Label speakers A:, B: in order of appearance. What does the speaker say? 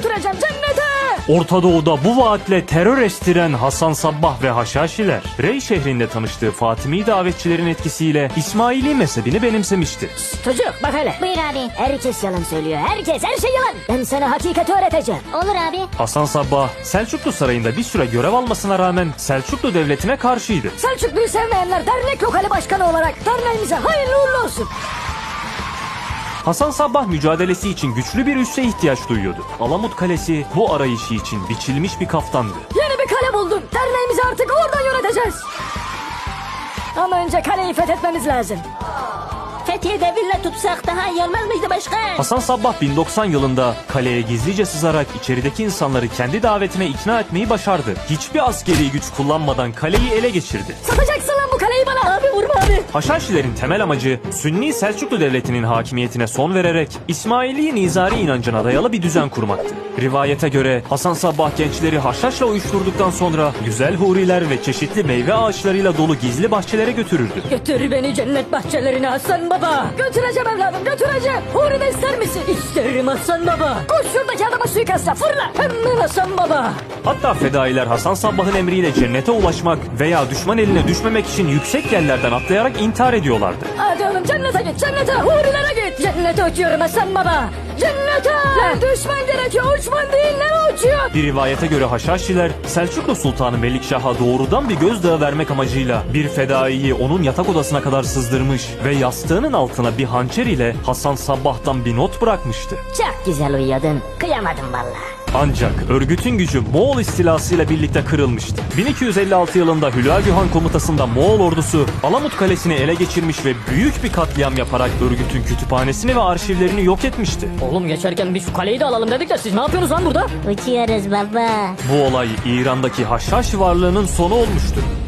A: götüreceğim cennete.
B: Orta Doğu'da bu vaatle terör estiren Hasan Sabbah ve Haşhaşiler, Rey şehrinde tanıştığı Fatimi davetçilerin etkisiyle İsmaili mezhebini benimsemişti.
A: Çocuk bak hele.
C: Buyur abi.
A: Herkes yalan söylüyor. Herkes, her şey yalan. Ben sana hakikati öğreteceğim.
C: Olur abi.
B: Hasan Sabbah, Selçuklu Sarayı'nda bir süre görev almasına rağmen Selçuklu Devleti'ne karşıydı.
A: Selçuklu'yu sevmeyenler dernek lokali başkanı olarak derneğimize hayırlı uğurlu olsun.
B: Hasan Sabbah mücadelesi için güçlü bir üsse ihtiyaç duyuyordu. Alamut Kalesi bu arayışı için biçilmiş bir kaftandı.
A: Yeni bir kale buldum. Derneğimizi artık oradan yöneteceğiz. Ama önce kaleyi fethetmemiz lazım.
C: Fethiye'de villa tutsak daha iyi olmaz mıydı başkan?
B: Hasan Sabbah 1090 yılında kaleye gizlice sızarak içerideki insanları kendi davetine ikna etmeyi başardı. Hiçbir askeri güç kullanmadan kaleyi ele geçirdi.
A: Satacaksın lan bu kaleyi bana. Abi vurma abi.
B: Haşhaşilerin temel amacı Sünni Selçuklu Devleti'nin hakimiyetine son vererek İsmaili Nizari inancına dayalı bir düzen kurmaktı. Rivayete göre Hasan Sabbah gençleri haşhaşla uyuşturduktan sonra güzel huriler ve çeşitli meyve ağaçlarıyla dolu gizli bahçelere götürürdü.
A: Götür beni cennet bahçelerine Hasan Baba. Götüreceğim evladım, götüreceğim. Huri de ister misin? İsterim Hasan Baba. Koş şuradaki adama suikastla fırla. Hemen Hasan Baba.
B: Hatta fedailer Hasan Sabbah'ın emriyle cennete ulaşmak veya düşman eline düşmemek için yüksek yerlerden atlayarak intihar ediyorlardı.
A: Hadi oğlum cennete git, cennete, hurilere git. Cennete uçuyorum Hasan Baba. Cennete. Lan düşman gerekiyor, uçman değil, ne uçuyor?
B: Bir rivayete göre Haşhaşiler Selçuklu Sultanı Melikşah'a doğrudan bir gözdağı vermek amacıyla bir fedaiyi onun yatak odasına kadar sızdırmış ve yastığının altına bir hançer ile Hasan Sabbah'tan bir not bırakmıştı.
A: Çok güzel uyuyordun. Kıyamadım vallahi.
B: Ancak örgütün gücü Moğol istilasıyla birlikte kırılmıştı. 1256 yılında Hülagü Han komutasında Moğol ordusu Alamut Kalesi'ni ele geçirmiş ve büyük bir katliam yaparak örgütün kütüphanesini ve arşivlerini yok etmişti.
A: Oğlum geçerken bir şu kaleyi de alalım dedik de siz ne yapıyorsunuz lan burada?
C: Uçuyoruz baba.
B: Bu olay İran'daki Haşhaş varlığının sonu olmuştu.